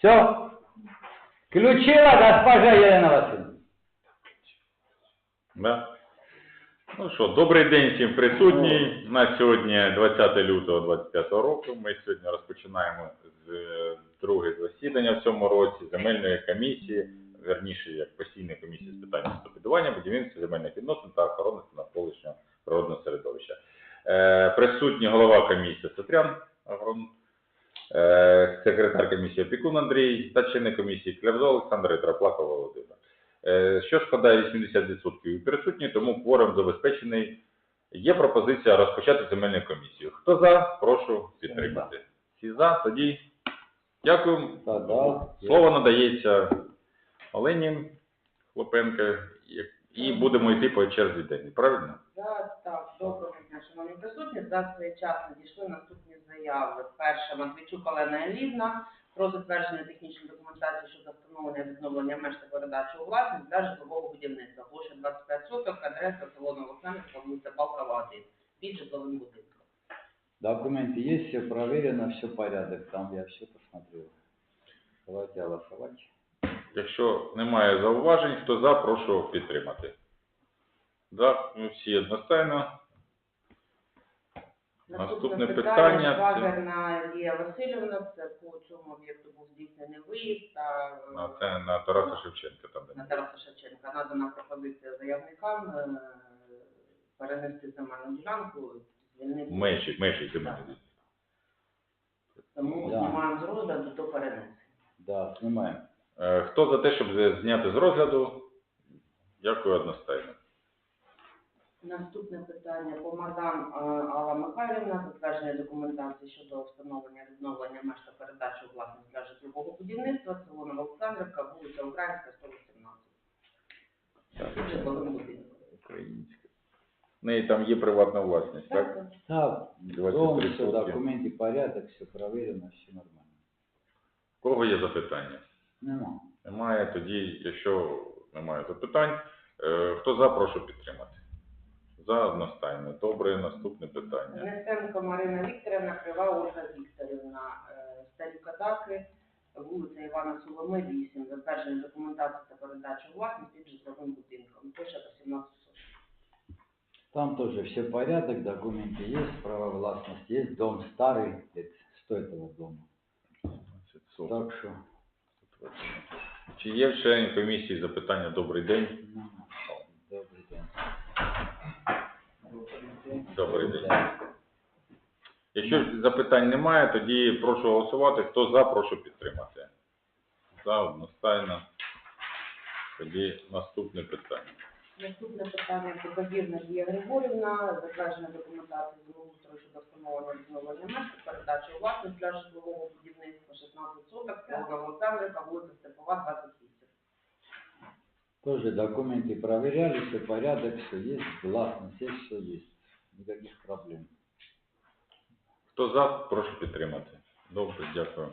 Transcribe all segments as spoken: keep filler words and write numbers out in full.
Все? Включила госпожа Єлена Васильівна. Да. Ну що, добрий день всім присутній. У нас сьогодні двадцяте лютого двадцять п'ятого року. Ми сьогодні розпочинаємо з друге засідання в цьому році земельної комісії, верніше як постійної комісії з питань містобудування, будівництва, земельних відносин та охорони навколишнього природного середовища. Е, присутній голова комісії Сатрян Агрон, е, секретар комісії Опікун Андрій та члени комісії Клявзо Олександр і Траплаков Володимир. Що складає вісімдесят відсотків присутні, тому кворум забезпечений. Є пропозиція розпочати земельну комісію. Хто за, прошу підтримати. Всі за, тоді дякую. Слово надається Олені Хлопенко і будемо йти по черзі день. Правильно? Так, так. Доброго дня, шановні присутні. За цей час надійшли наступні заяви. Перша, Матвійчук Олена Елівна про затвердження технічної документації щодо встановлення відновлення меж та передачі у власність для житлового будівництва. Площа двадцять п'ять соток, адреса село Новооксанівка, вулиця Балкова, один, під житловим будинком. Документы есть, все проверено, все порядок. Там я все посмотрел. Давайте голосовать. Якщо немає зауважень, хто за, прошу підтримати. За, ми всі одностайно. Наступне питання. Вагерна Лія Васильівна, це по цьому об'єкту був здійснений виїзд. Та, на, це на Тараса Шевченка. Там, на Тараса Шевченка. Надана пропозиція заявникам е, перенести земельну ділянку, звільнити. Межі, межі земельні. Тому Да. знімаємо з розгляду до перенесення. Да, снимаем. Е, Хто за те, щоб зняти з розгляду? Дякую одностайно. Наступне питання. Помадан Алла Михайлівна, затвердження документації щодо встановлення відновлення меж та передачі у власність для житлового будівництва, село Новооксандрівка, вулиця Українська, сто вісімнадцять. Житловим будинком. Українська. В неї там є приватна власність, так? Так, Так, двадцять дом, три все, сотки. документы, порядок, все проверено, все нормально. У кого є запитання? Нема. Немає. Тоді, якщо немає запитань, е, хто за, прошу підтримати. За одностайно. Добре, наступне питання. Несенко Марина Вікторівна, Крива Ольга Вікторівна, е, Старі Катаки, вулиця Івана Соломи, вісім, затвердження документації та передачі у власність під житловим будинком. Площа вісімнадцять соток. Там тоже все порядок, документы есть, право властности есть, дом старый, это сто этого дома. Так что... Чи є в членів комісії запитання? Добрий день. Ну, добрый день. Добрий день. Якщо запитань немає, тоді прошу голосувати. Хто за, прошу підтримати. За одностайно. Тоді наступне питання. Наступне питання про Забірна Лія Григорівна, затвердження документації землеустрою щодо встановлення відновлення меж та передачі у власність для житлового будівництва шістнадцять соток, село Новооксандрівка, вулиця Степова, двадцять вісім. Тоже документы проверяли, все порядок, все есть, властность есть, все есть. Никаких проблем. Хто за, прошу підтримати. Добре, дякую.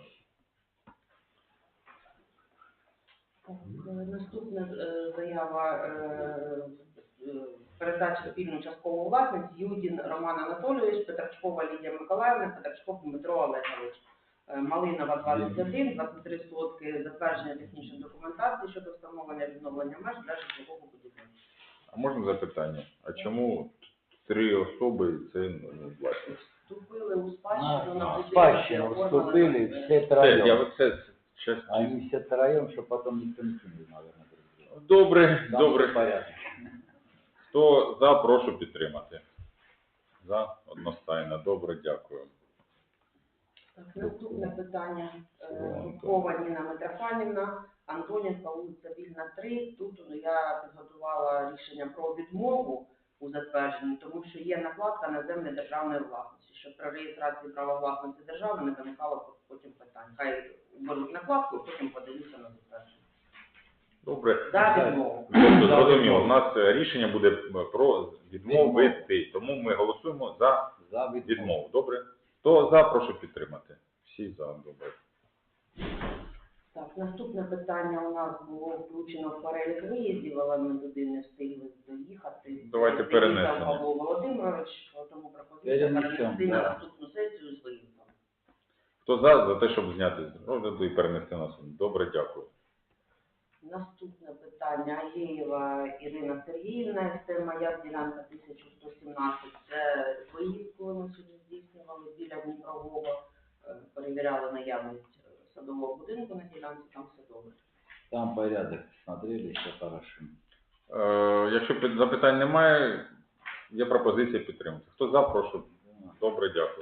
Наступна е, заява е, е, передачі спільну часткову власність Юдін Роман Анатолійович, Петрачкова Лідія Миколаївна, Петрачков Дмитро Олегович. Е, Малинова двадцять один, двадцять три сотки, затвердження технічної документації щодо встановлення відновлення меж для житлового будівництва. А можна запитання? А чому три особи і це ну, власність? Вступили у спадщину На, на на будинок, спадщину оформлено, вступили е, все Це, я троем. оце, чесно. Они все троем, что потом никто не кинул, наверное, друг друга. Добре, Там добре. все порядок. Хто за, прошу підтримати. За, одностайно. Добре, дякую. Так, наступне питання. Рудкова Ніна Митрофанівна, Антонівка, вулиця Вільна, три. Тут ну, я підготувала рішення про відмову у затвердженні, тому що є накладка на землі державної власності, щоб при реєстрації права власності держави не виникало потім питань. Хай беруть накладку, і потім подаються на затвердження. Добре. За відмову. Тобто, зрозуміло, у нас рішення буде про відмовити, тому ми голосуємо за За відмову. відмову. Добре? Хто за, прошу підтримати. Всі за, добре. Так, наступне питання у нас було включено в перелік виїздів, але ми туди не встигли доїхати. Давайте Приїхав перенесемо. Павло Володимирович, тому пропозиція Перенесемо, перенести на да. наступну сесію з виїздом. Хто за, за те, щоб зняти з розгляду і перенести на суд? Добре, дякую. Наступне питання. Алєєва Ірина Сергіївна, це моя ділянка тисяча сто сімнадцять. Це виїзд, коли ми сьогодні здійснювали біля Дніпрового, е, перевіряли наявність садового будинку на ділянці, там все добре. Там порядок смотрели, все хорошо. Е, якщо під- запитань немає, є пропозиція підтримати. Хто за, прошу. Добре, дякую.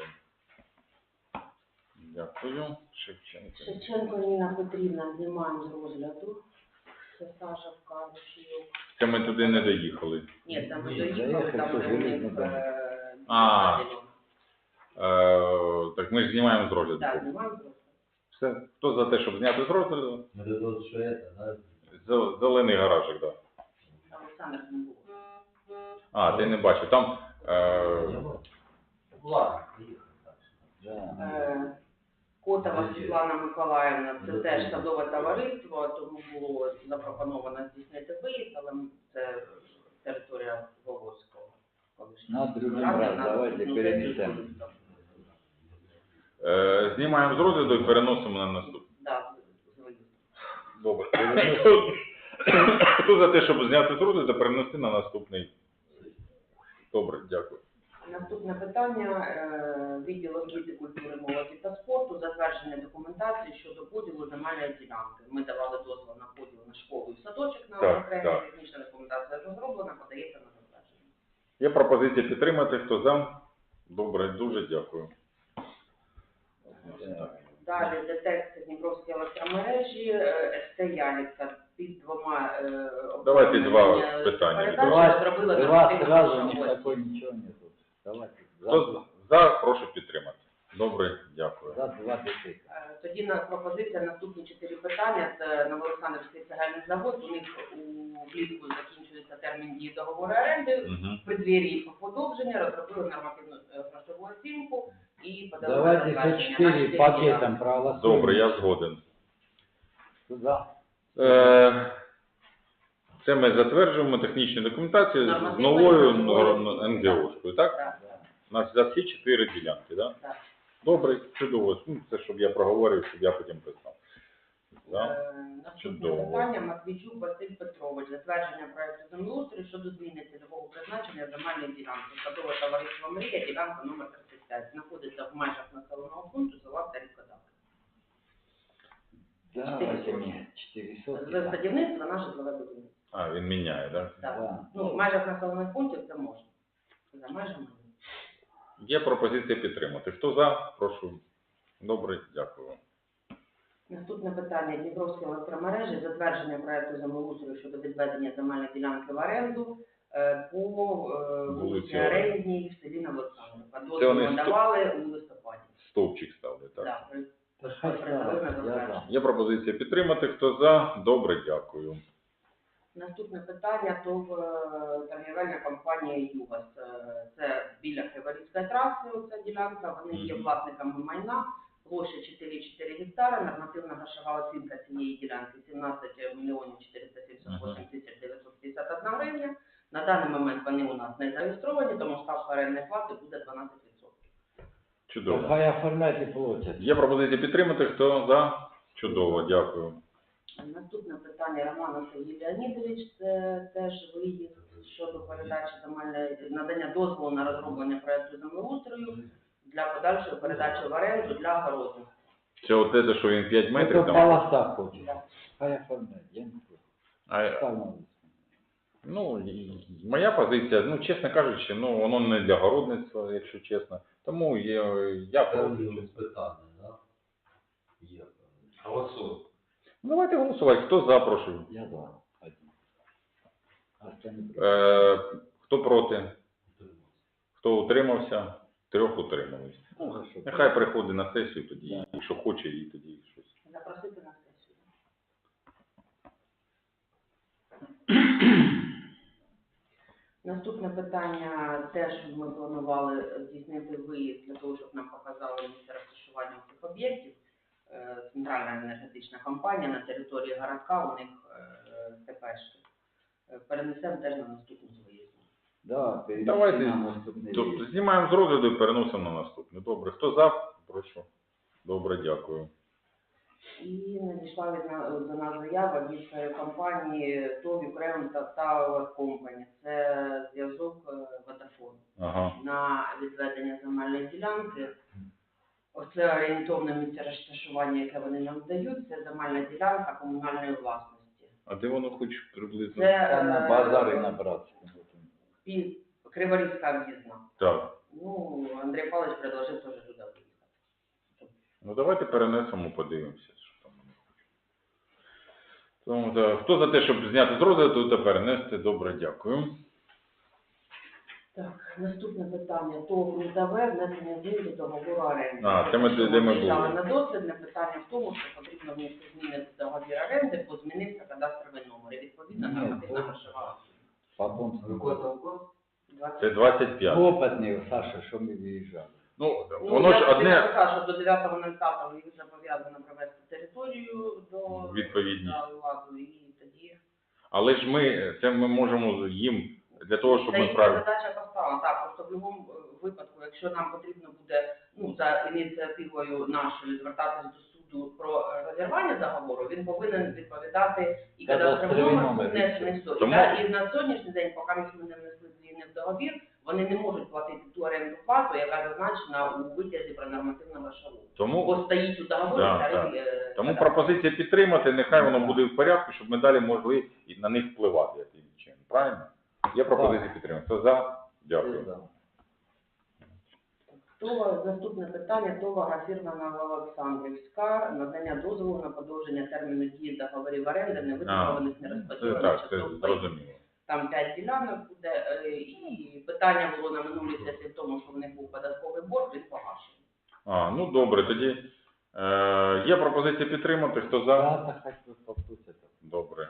Дякую. Шевченко. Шевченко Ніна Петрівна знімаємо з розгляду. Це Саша Вкалушів. Це ми туди не доїхали. Ні, там Ні, доїхали, заїхали, там що у железний них дом. е, А. ділянка. Е, так ми ж знімаємо з розгляду. Так, знімаємо з розгляду. Все. Хто за те, щоб зняти з розгляду? Это вот что это, да? Зе- Зелений гаражик, так. Да. Олександр не було. А, ти не бачив. Там е, Ладно, приехали. Да. Е, Котова Світлана Миколаївна, це теж садове товариство, тому було запропоновано здійснити виїзд, але це територія Волоського. На другий раз давайте перенесемо. е, знімаємо з розгляду і переносимо на наступний. Так, з виїздом. Добре. Хто за те, щоб зняти з розгляду та перенести на наступний? Добре, дякую. Наступне питання. Е, Відділ освіти, культури, молоді та спорту, затвердження документації щодо поділу земельної ділянки. Ми давали дозвіл на поділ на школу і садочок на Так, окремі, так. технічна документація розроблена, подається на затвердження. Є пропозиція підтримати. Хто за? Добре, дуже дякую. Далі детекція Дніпровської електромережі, е, СТ Ялівка під двома е, Давайте два обладнаннями питання. передачі Давай, зробила два нормативну сразу, у грошову них такой оцінку. ничего нету. Давайте. Хто За, за, прошу підтримати. Добре, дякую. за два детектора. Е, Тоді на пропозиція наступні чотири питання. Це Новоолександрівський цегельний завод. У них у влітку закінчується термін дії договору оренди. Угу. В преддвір'ї подовження розробили нормативну е, грошову оцінку і подали на Давайте все затвердження на четыре чотири пакетом ділянки. проголосуем. Добре, я згоден. За. Е, Це ми затверджуємо технічну документацію з Нормативно новою грошовою ен ге о-шкою, так? Так, Да. У нас за всі чотири ділянки, так? так. Добре, чудово. Ну, це щоб я проговорив, щоб я потім писав. Да? Е, Наступне Чудово. питання. Матвійчук Василь Петрович. Затвердження проекту землеустрою щодо зміни цільового призначення земельної ділянки. Садове товариство «Мрія», ділянка номер тридцять п'ять. Знаходиться в межах населеного пункту села Старі Козак. Давайте мне четыре сотки. З садівництва на житлове будівництво. А, він міняє, так? Так. Да. Ну, в межах населених пунктів це можна. За межами ні. Є пропозиція підтримати. Хто за? Прошу. Добре, дякую. Наступне питання. Дніпровські електромережі. Затвердження проекту землеустрою щодо відведення земельної ділянки в оренду е, по е, Вулиці вулиці Арендній в селі Новоолександрівка. Це вони Дозвіл сто- давали у листопаді. Стовпчик ставлять, так? Так, при- Да хай ставят, я за. Є пропозиція підтримати. Хто за? Добре, дякую. Наступне питання, то в е, торгівельна компанія «Югас». Е, Це біля Криворізької траси, оця ділянка. Вони є Мгм. власниками майна. Площа чотири цілих чотири гектара, нормативна грошова оцінка цієї ділянки сімнадцять мільйонів чотириста сімдесят вісім тисяч дев'ятсот п'ятдесят одна гривня. На даний момент вони у нас не зареєстровані, тому ставка орендної плати буде дванадцять відсотків. Чудово. Хай оформляйте платят. Є пропозиція підтримати. Хто за? Чудово, дякую. Наступне питання Романа Сергій Леонідович, це теж виїзд щодо передачі земельної, надання дозволу на розроблення проекту землеустрою для подальшої передачі в оренду для городів. Це от те, що він п'ять метрів Это там. полоса хочет. Хай оформляет. Я не против. А, Ставь на лист. ну, і моя позиція, ну, чесно кажучи, ну, воно не для городництва, якщо чесно. Тому є, я проти. Там питання, да? Є. Голосуй. Ну, давайте голосувати. Хто за, прошу. Я за. Один. Остальные против. Е, хто проти? Хто утримався? Трьох утримались. Ну, хорошо. Нехай приходить на сесію тоді, якщо хоче, і тоді щось. Запросити на сесію. Наступне питання теж ми планували здійснити виїзд для того, щоб нам показали місце розташування цих об'єктів. Е, Центральна енергетична компанія на території городка, у них е, ТПшки. Е, Перенесемо теж на наступну з виїзду. Да, перенеси Давайте. на наступний Тобто рейс. знімаємо з розгляду і переносимо на наступне. Добре. Хто за? Прошу. Добре, дякую. І надійшла від на- до нас заява від е, компанії ТОВ Ukraine Tower Company. Це зв'язок е, Vodafone. Ага. На відведення земельної ділянки. Оце орієнтовне місце розташування, яке вони нам дають, це земельна ділянка комунальної власності. А де воно хоч приблизно? Це Там на е, базарі на Братському. під Криворізька об'їзна. Так. Ну, Андрій Павлович предложив теж туди виїхати. Ну давайте перенесемо, подивимося, що там. Тому, так, хто за те, щоб зняти з розгляду та перенести? Добре, дякую. Так, наступне питання. ТОВ «Рудаве» внесення змін до договору оренди. А, це ми- Що де ми виїжджали були. на дослідне питання в тому, що потрібно внести зміни до договору оренди, бо змінився кадастровий номер. І відповідно Ні, нормативна то- грошова. Потом Какой там год? Це двадцять п'ять. опытный, Саша, що ми виїжджали. Ну, Ну, воно я ж тобі одне написала, що до дев'ятого п'ятого їх зобов'язано привести територію до Відповідність. да, ладу, і тоді... але ж ми, це ми можемо їм для того, щоб Це ми їхня правильно. задача поставлена, так, просто в будь-якому випадку, якщо нам потрібно буде, ну, за ініціативою нашою звертатись до суду про розірвання договору, він повинен відповідати і кадастровий Кадастровий номер номер, внесений в суд. Тому- Да, і на сьогоднішній день, поки ми не внесли зміни в договір, вони не можуть платити ту оренду плату, яка зазначена у витязі про нормативну грошову. Тому, Бо стоїть у договорі Да, старий, да. е, тому кадастровий. пропозиція підтримати, нехай воно буде в порядку, щоб ми далі могли і на них впливати яким чином. Правильно? Є пропозиція підтримати. Хто за? Дякую. Това, наступне питання, товара фірма Новоолександрівська, надання дозволу на подовження терміну дії договорів оренди, невитребуваних, Це нерозподілених так, це часток. зрозуміло. Там п'ять ділянок буде, е, і питання було на минулій сесії в тому, що в них був податковий борг, він погашений. А, ну добре, тоді е, є пропозиція підтримати. Хто за? Да, да, хоть бы попутать. Добре.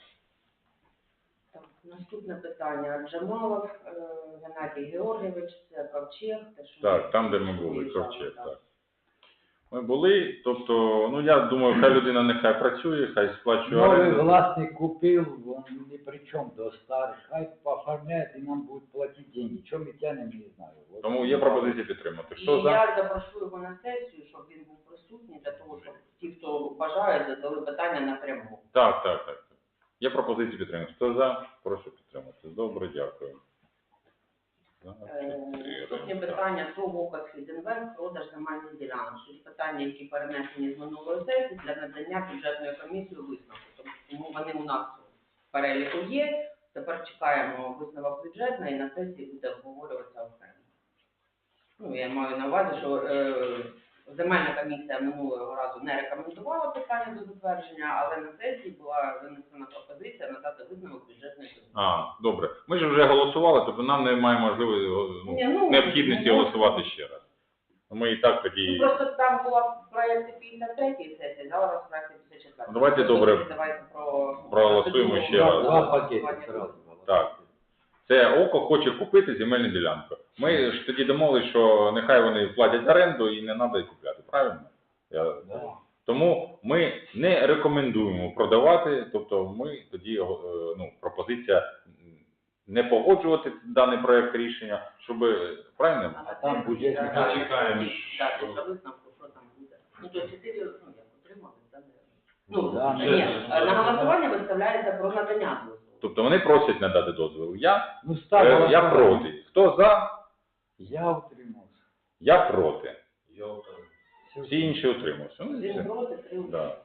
Так, наступне питання. Джамалов е, Геннадій Георгійович, це ковчег. Те, що Так, ми там, де ми були, виїжджали, ковчег, так. так. Ми були, тобто, ну я думаю, хай людина нехай працює, хай сплачує Новый оренду. властник купил, он ни при чем до старых. Хай оформляет и нам будет платить деньги. Чем мы тянем, не знаю. Вот. Тому є пропозиція підтримати. І Хто за? я запрошу його на сесію, щоб він був присутній, для того, щоб ті, хто бажають, задали питання напряму. Так, так, так. Є пропозиція підтримати. Хто за? Прошу підтримати. Добре, дякую. За, Е, чотири, Наступні так. питання про Вокас Фідінвест, продаж земельних ділянок. Що питання, які перенесені з минулої сесії для надання бюджетної комісії висновку. Тому вони у нас в переліку є. Тепер чекаємо висновок бюджетної і на сесії буде обговорюватися окремо. Ну, я маю на увазі, що е, земельна комісія минулого разу не рекомендувала питання до затвердження, але на сесії була винесена пропозиція надати висновок бюджетної комісії. А, добре. Ми ж вже голосували, тобто нам немає можливості, ну, Ні, ну, необхідності ну, голосувати ще раз. Ми і так Ну, тоді... просто там була в проєкті п'ятдесят третьої сесії, зараз в проєкті п'ятдесят четвертої. Ну, давайте, добре, Давайте про... проголосуємо процедуру ще раз. Два голосування. пакета сразу. Так. Це ОКО хоче купити земельну ділянку. Ми ж тоді домовились, що нехай вони платять оренду і не треба їх купляти, правильно? Я... Да. Тому ми не рекомендуємо продавати, тобто ми тоді, е, ну, пропозиція не погоджувати даний проект рішення, щоб, правильно? А там бюджетні Так, чекаємо, Так, що- після висновку, що там буде. Ну, то чотири, ну, як отримали, так? Ну, Да, ні, ну, на голосування виставляється про надання дозволу. Тобто вони просять надати дозвіл. Я, Ну, е, ставила я проти. Хто за? Я утримался. Я проти. Ёлка. Всі інші утримуються. Ну, і Один все. проти, три утримались. Да.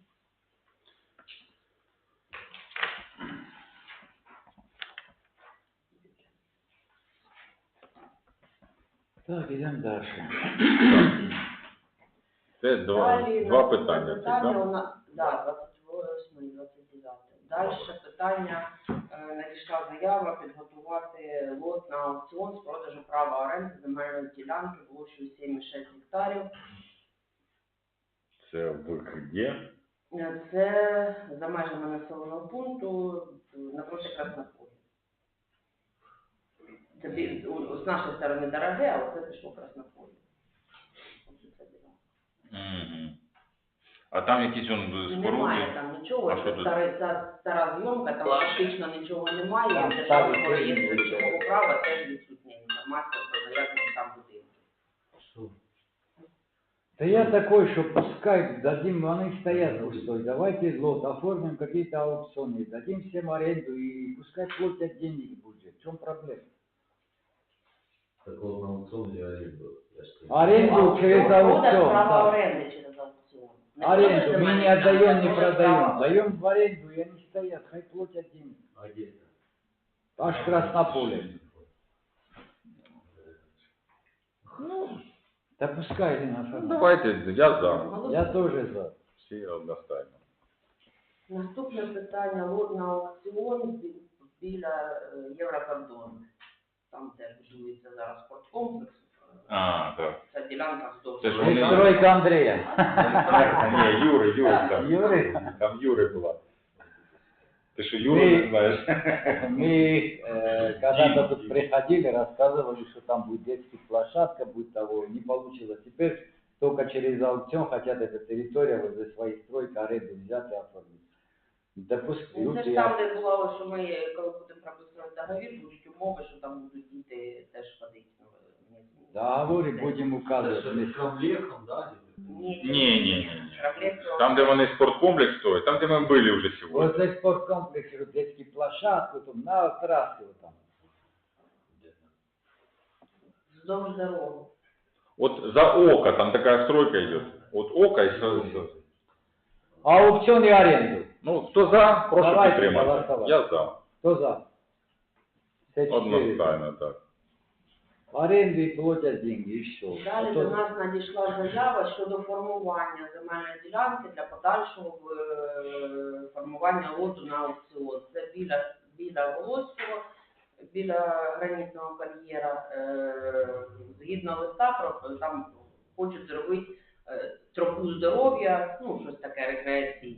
Так, идем дальше. Це два, Далі два наступне питання. питання Це, у нас, да, двадцять восьме, двадцять дев'яте. Далі питання, е, надійшла заява підготувати лот на аукціон з продажу права оренди земельної ділянки площею сім і шість гектарів. це викиде. Е, Це за межами населеного пункту е, напроти Краснополя. Це бі- у- з нашої сторони дороге, а оце пішло Краснополе. Оце ця ділянка. Угу. А там якісь он Немає споруди. там нічого, А це що тут? стара, ця стара зйомка, там фактично нічого немає, Там державного ставить реєстру різні речового права теж відсутня інформація про заявлений там будинок. Что? Да я такой, что пускай дадим, они стоят пустой. Давайте лот, оформим какие-то аукционы, дадим всем аренду и пускай платят деньги в бюджет. В чем проблема? Так вот на аукцион или аренду? Я ж сказал. Аренду через Продаж аукцион. права Да. оренди через аукціон. Не Аренду продаж мы не земельних отдаем, ділянок, не а продаж продаем. права. Даем в аренду, и они стоят, хай платят деньги. А где это? Аж Краснополе. Ну, Да пускай, Ирина ну, Афанасьевна. давайте, я за. Я тоже за. Всі одностайно. Наступне питання лот на аукціон бі- біля е, Єврокордону. Там теж будується зараз спорткомплекс. А, так. Ця ділянка вздовж. Це ж дороги. вони- Стройка Андрея. Ні, Юри, Юри там. Юри? Там Юри була. Ти що, Юри не знаєш? Мы э, когда-то тут приходили, рассказывали, что там будет детская площадка, будет того, не получилось. Теперь только через аукцион хотят эту территорию возле своей стройки аренду взять и оформить. Да пусть Ну, це люди... ж там, де було, що ми, коли будемо прописувати договір, будуть умови, що там будуть діти теж ходити. Ну, ні- Договоры будем Это указывать. же вместе. с Крамлехом, да? Ні, Ні, ні, ні. Проблем Там, де вони спорткомплекс стоять, там, де ми були вже сьогодні. Возле спорткомплекса, вот детские площадку, там, на трассе вот там. вздовж дороги. От за око, там така стройка йде. От око і со- со- Аукцион и аренду. Ну, хто за, прошу Давайте підтримати. голосувати. Я за. Кто за? Все четыре. Одностайно, так. Аренду и платят деньги, и все. Далі до нас надійшла заява щодо формування земельної ділянки для подальшого е, формування лоту на аукціон. Це біля, біля Волоського, біля гранітного кар'єра. Е, Згідно листа, про- там хочуть зробити е, тропу здоров'я, ну, щось таке рекреаційне.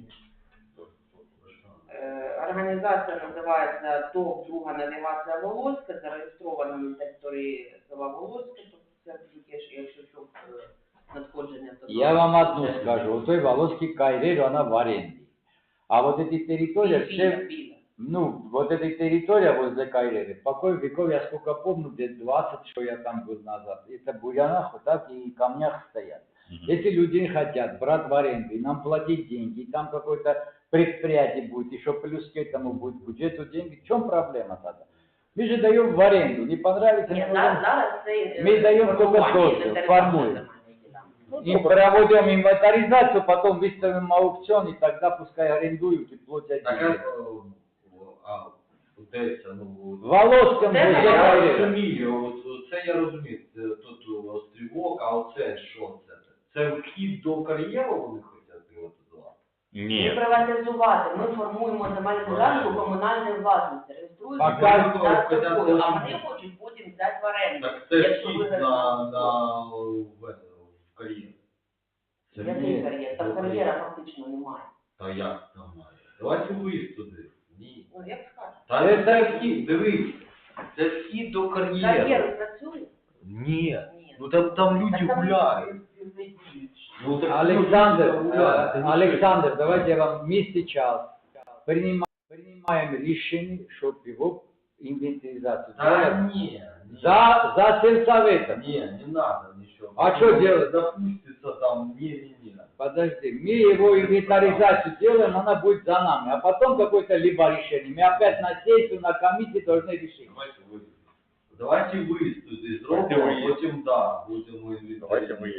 Е, Організація називається ТОВ «Друга навігація Волоська», зареєстрована на території села Волоське, тобто це тільки ж, якщо що, е, надходження. то- Я вам одну скажу. У той Волоський Кайрер, она в аренде. А вот эти территории, Біля, все, біля. ну, вот эта территория возле Кайрера, покой веков, я сколько помню, где двадцать, что я там был назад, это в бурянах вот так и камнях стоят. Если люди хотят брать в аренду и нам платить деньги, и там какое-то предприятие будет, еще плюс к этому будет бюджету деньги, в чем проблема тогда? Мы же даем в аренду, не понравится, Ні, не зараз, можем. зараз це е, Ми даємо тільки формування дозвіл, інвентаризації формуємо. земельної ділянки. И проводим инвентаризацию, потом выставим аукцион, и тогда пускай арендуют и платят Так, деньги. а, а, вот это, ну, В Волоськом Це возле я Кайрера. розумію, от це я розумію, це тут острівок, а оце що це? Це вхід до кар'єру вони хочуть приватизувати? Не Ні. приватизувати, ми формуємо земельну ділянку комунальної власності, реєструємо Пока за ніхто не такою, а хоче. вони хочуть потім взяти в оренду. Так це Якщо вхід виграти на, аукціон. на в, в кар'єр. Це Який Ні. кар'єр? Там кар'єра фактично немає. Та як там має? Давайте ви туди. Ні. Ну, як скажеш. Та Це- це вхід, дивись. Це вхід до кар'єру. Кар'єр працює? Ні. Ні. Ну там, там люди Так там гуляють. Ну, так Александр, люди там гуляють. э, Александр, давайте я вам мы сейчас принимаем, принимаем решение, чтобы его инвентаризацию Та делать ні. ні. за, за сельсоветом. Не, не надо ничего. А что делать? Запустится там, не-не-не. Подожди, мы его инвентаризацию делаем, она будет за нами, а потом какое-то либо решение. Мы опять на сессию, на комиссии должны решить. Давайте вы. Давайте вы туди Давайте зробимо, ви. потім да, будемо Давайте ви.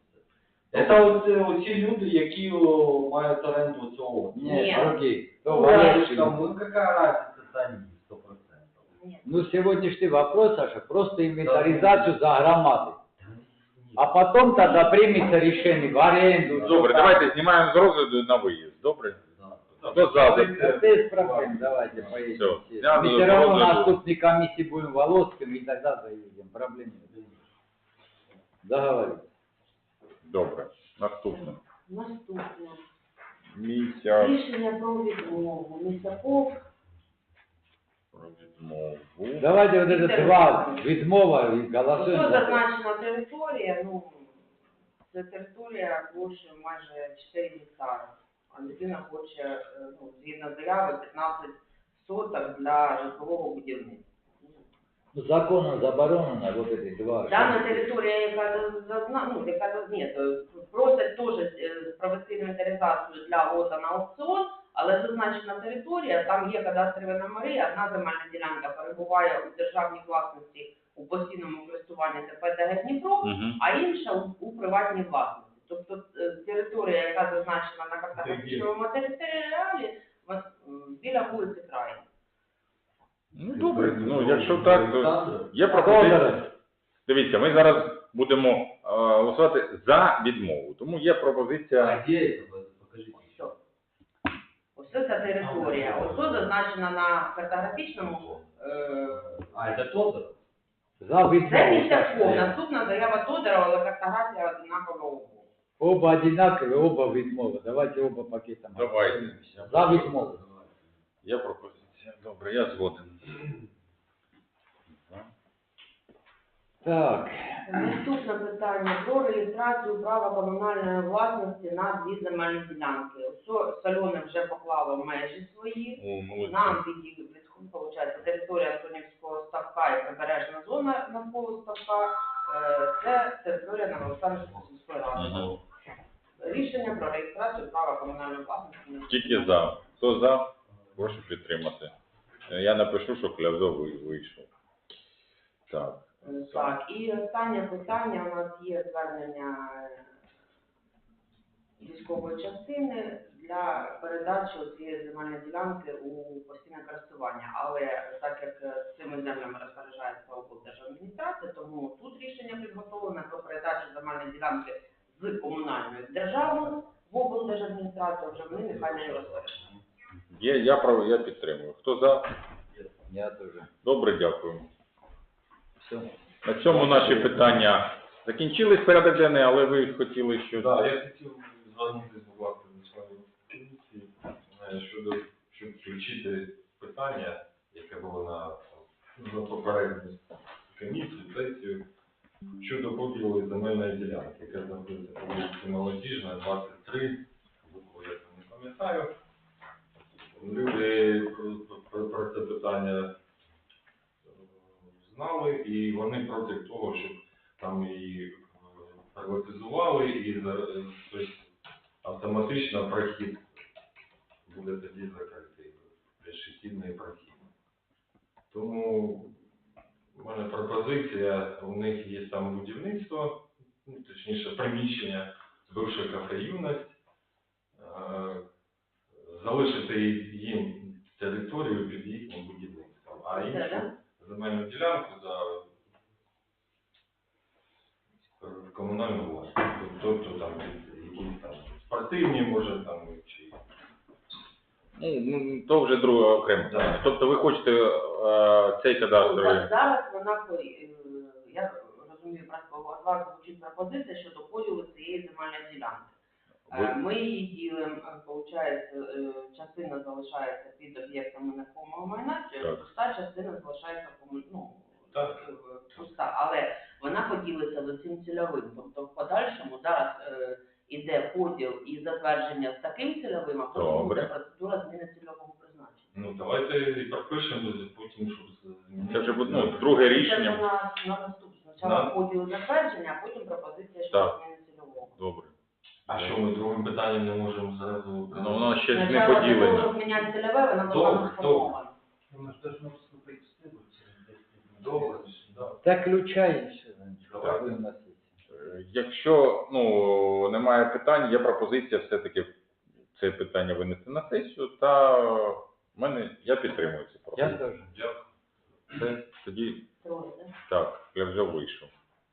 Це оці, оці люди, які о, мають оренду цього. Нет, Нет. другие. То Ну, Володьки. ну какая разница, это они, сто процентов. Ні. Ну, сегодняшний вопрос, Саша, просто инвентаризацию за громады. А потом тогда примется решение в аренду. Добре, давайте знімаємо з розгляду на виїзд. Добре? Да. Хто за? Без проблем, давайте поедем. Всё. все. Я Мы за- все равно за- на наступной комиссии будем Володским, и тогда заедем. Проблем нет. Договорились. Добре. Наступне. Наступне. Місяць Рішення про відмову. Місяков. про відмову. Давайте вот это два відмова и Ось голосуем. за- зазначена територія, ну, це територія площею майже чотири гектари. А людина хоче, е, ну, згідно заяви, п'ятнадцять соток для житлового будівництва. Законом заборонено вот эти два. Дана територія, яка зазна, ну, яка заз- ні, то просять теж е, провести інвентаризацію для лота на аукціон, але зазначена територія, там є кадастрові номери, одна земельна ділянка перебуває у державній власності у постійному користуванні ТП ДГ Дніпро, Мгм. а інша у, у приватній власності. Тобто е, територія, яка зазначена на картографічному матеріалі, вон- м, біля вулиці Крайні. Ну, добре, ну, якщо так, то Олександр? є пропозиція. Федоров, Дивіться, ми зараз будемо е, голосувати за відмову, тому є пропозиція. А где это? Покажите. Все. Ось ця територія. Ось тут зазначена на картографічному. Е, А, это Тодор? за Це відмову. Місяков. Наступна заява Тодорова, але картографія однакова умова. Оба одинакові, оба відмови. Давайте оба пакетом. Давайте. За відмову. Є пропозиція. Добре, я згоден. Так, Наступне питання про реєстрацію права комунальної власності на дві земельні ділянки. Ось Сальони вже поклала в межі свої. О, молодці. Нам від, від виходить, територія Антонівського ставка і прибережна зона навколо ставка. Е, Це територія Новоолександрівської сільської ради. Мгм. Рішення про реєстрацію права комунальної власності. на Тільки за. Хто за? Прошу підтримати. Е, Я напишу, що Клявзо ви- вийшов. Так. Е, Так, і останнє питання у нас є звернення е, військової частини для передачі цієї земельної ділянки у постійне користування. Але так як е, цими землями розпоряджається облдержадміністрація, тому тут рішення підготовлене про передачу земельної ділянки з комунальної в державну в облдержадміністрацію, вже вони нехай не розпоряджаються. Є, я, прав- я підтримую. Хто за? я теж. Добре, дякую. Все. На цьому наші питання закінчились, порядок денний, але ви хотіли щось. Так, я хотів звернутися, будь ласка, до своєї комісії е, щодо, щоб включити питання, яке було на, на попередній комісії, сесію, щодо поділу земельної ділянки, яка знаходиться по вулиці Молодіжна, двадцять три, букву я там не пам'ятаю. Люди про, про, про це питання е, знали, і вони проти того, щоб там її приватизували, і за- е, тобто, автоматично прохід буде тоді закритий, пішохідний прохід. Тому в мене пропозиція, у них є там будівництво, ну, точніше приміщення з бившої кафе «Юність», е, залишити їм територію під їхнім будівництвом, а Це, іншу да? земельну ділянку за в комунальну власність. Тобто там якісь там спортивні, може там чи Ну, ну, то вже друге окремо. Да. Тобто ви хочете е, цей Ну, кадастровий. за- Зараз вона, е, я розумію, просто у вас звучить пропозиція щодо поділу цієї земельної ділянки. Е, Ви- Ми її ділимо, виходить, частина залишається під об'єктами нерухомого майна, Так. пуста частина залишається кому- ну, Так. е, пуста, але вона поділиться за цим цільовим. Тобто в подальшому зараз е, іде поділ і затвердження з таким цільовим, а потім Добре. буде процедура зміни цільового призначення. ну давайте і пропишемо потім, щоб змінити. Це вже буде ну, друге Це рішення. на, на наступне. Спочатку Да. поділ затвердження, а потім пропозиція щодо Так. зміни цільового. Добре. А що ми другим питанням не можемо зразу? Ну, воно ще ж не Спочатку для того, поділено. щоб міняти цільове, вона була Добре, сформована. Добре, да. Так ключай і все. Давай. Будемо на сесії. Е, Якщо ну, немає питань, є пропозиція все-таки це питання винести на сесію, та в мене я підтримую цю Я пропозицію. теж. Дякую. Все, тоді Троє, да? так, я вже вийшов.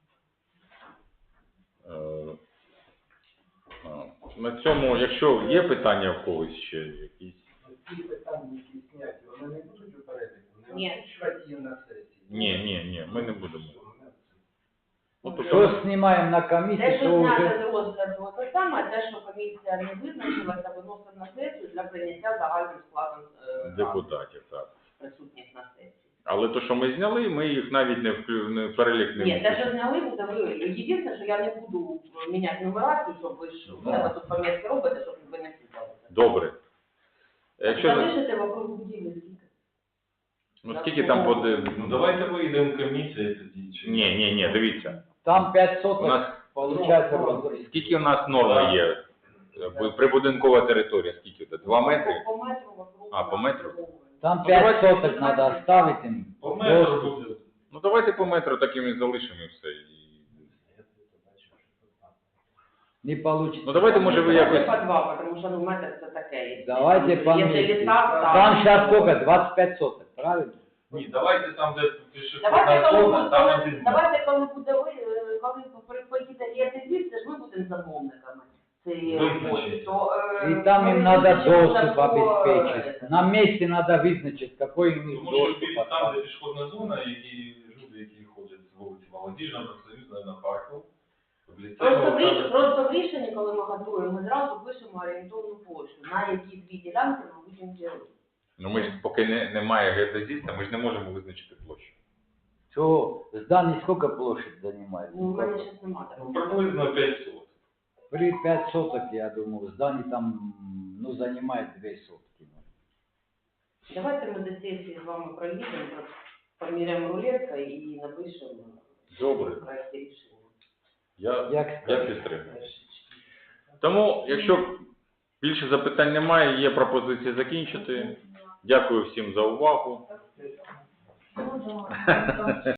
Е, а, На цьому, якщо є питання в когось ще якісь. Ті питання, які зняті, вони не будуть у переліку? Вони Ні. озвучувати її на сесії? Ні, ні, ні, ми не будемо. Ну, то Що знімаємо на комісії, Те, що то зняти вже з розгляду, те саме, а те, що комісія не визначилася, виносить на сесію для прийняття загальним складом е, ради, депутатів, так. присутніх на сесії. Але то, що ми зняли, ми їх навіть не в, не в перелік не Ні, те, що включимо. зняли, буде ви. Єдине, що я не буду міняти нумерацію, щоб ви ж в себе тут пам'ятки робите, щоб ви не цікавилися. Добре. Якщо за- Залишите вокруг будівлі скільки? Ну скільки там буде? Ну давайте вийдемо комісія тоді. Чи... Ні, ні, ні, дивіться. Там п'ять У соток, нас получается, роз- скільки у нас норми є? Бу- Прибудинкова територія, скільки це? Два метри? По метру вокруг. А, по метру? там Ну, п'ять давайте- соток надо оставить им. По метру Доступ. буде. Ну давайте по метру таким і залишимо і все. І... Не получится. Ну давайте, може, ви Давайте якось... по два, потому что ну метр це таке. Давайте Якщо по ліса, месте. так. Там сейчас сколько? двадцать пять соток, правильно? Ні, давайте там, де пішохідна Давайте, коли зона, буде, там коли, один. давайте, коли буде ви, е, коли при- поїде ЄТЗ, це ж ми будемо замовниками цієї Визначити. роботи. То, е, И там им ми надо визначимо доступ по, обеспечить. е, На месте надо вызначить, какой у них Тому що доступ. біля- там, де оставить. пішохідна зона, які люди, які ходять з вулиці Молодіжна, профсоюзна, на парку, в ліцеї, Просто в, ріш... там- просто в рішенні, коли ми готуємо, ми зразу пишемо орієнтовну площу, на які дві ділянки ми будемо ділити. Ну ми ж поки не, немає геодезиста, ми ж не можемо визначити площу. Чего? Здание сколько площадь занимает? Ну, у мене зараз немає Ну, такого. приблизно п'ятсот. При пять соток, я думаю, здание там, ну, занимает две сотки. Давайте ми до сесії з вами проїдемо, поміряємо рулетка і напишемо Добре. в проєкті рішення. Я, Як я скажете. підтримую. Тому, якщо більше запитань немає, є пропозиції закінчити. Дякую всім за увагу.